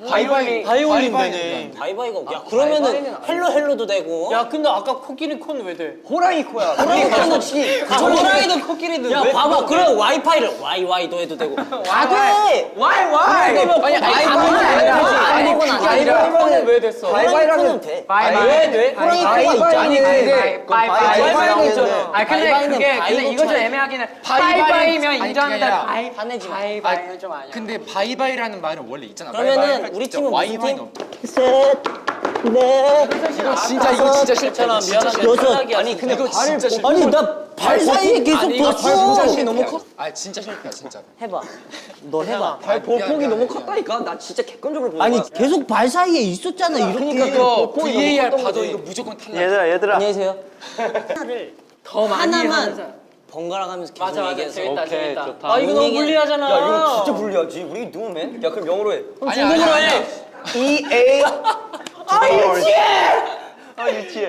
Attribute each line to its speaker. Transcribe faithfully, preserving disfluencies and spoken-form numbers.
Speaker 1: 바이바이
Speaker 2: 바이올린 되네.
Speaker 3: 바이바이가 야 그러면은 헬로 헬로도 되고.
Speaker 2: 야 근데 아까 코끼리 콘 왜 돼?
Speaker 1: 호랑이 코야.
Speaker 3: 호랑이 콘도 치.
Speaker 2: 호랑이도 코끼리도
Speaker 3: 야
Speaker 2: 왜
Speaker 3: 봐봐 그럼 와이파이를 와이와이도 해도 되고. 다 돼.
Speaker 1: 와이 와이.
Speaker 2: 아니
Speaker 1: 바이바이는 아니라.
Speaker 3: 아니 그건 아니야.
Speaker 2: 바이바이는 왜 됐어?
Speaker 3: 바이바이는 돼.
Speaker 2: 왜 돼?
Speaker 3: 호랑이 코가 있잖아.
Speaker 1: 아니 근데
Speaker 2: 바이바이는 있잖아.
Speaker 4: 아 근데
Speaker 3: 바이바이는
Speaker 4: 그게 근데
Speaker 3: 바이고
Speaker 4: 이거 좀
Speaker 3: 차이.
Speaker 4: 애매하긴 해.
Speaker 1: 바이바이-
Speaker 4: 바이바이면
Speaker 1: 아니,
Speaker 4: 인정하는데
Speaker 1: 그게 아니라-
Speaker 4: 바이
Speaker 3: 화내지 마.
Speaker 4: 바이바이는 좀 아니야.
Speaker 1: 근데 바이바이라는 말은 원래 있잖아.
Speaker 3: 그러면은
Speaker 1: 바이바이
Speaker 3: 우리
Speaker 1: 진짜
Speaker 3: 팀은 무슨
Speaker 1: 와이와이는
Speaker 3: 팀?
Speaker 1: 없-
Speaker 3: 셋, 넷,
Speaker 1: 이거 진짜 이거 진짜
Speaker 2: 괜찮아
Speaker 1: 싫다.
Speaker 2: 미안하다.
Speaker 3: 여섯.
Speaker 1: 아니 근데 이거 진짜 싫다.
Speaker 3: 아니 나 발 사이에 계속
Speaker 1: 아니 이거
Speaker 3: 뒀어.
Speaker 1: 진짜 싫다. 너무 커. 아 진짜 싫다 진짜.
Speaker 3: 해봐. 너 해봐.
Speaker 1: 발 보폭이 너무
Speaker 5: 컸다니까? 나 진짜 객관적으로 보는
Speaker 3: 아니
Speaker 5: 거야.
Speaker 3: 계속 발 사이에 있었잖아 이렇게.
Speaker 1: 그러니까 이거 브이에이알 봐도 이거 무조건 탈락.
Speaker 5: 얘들아 얘들아
Speaker 3: 안녕히 계세요. 하나를
Speaker 4: 더 많이
Speaker 3: 하나만
Speaker 4: 하자.
Speaker 3: 번갈아 가면서 계속
Speaker 2: 맞아 맞아
Speaker 3: 얘기해서.
Speaker 2: 재밌다
Speaker 5: 오케이,
Speaker 2: 재밌다.
Speaker 5: 좋다.
Speaker 2: 아 이거 너무
Speaker 3: 얘기는-
Speaker 2: 불리하잖아.
Speaker 5: 야 이거 진짜 불리하지. 우리 누우면? 야 그럼 영어로 해.
Speaker 1: 아니 아니 아니.
Speaker 5: E A 아 유치해. 아 유치해.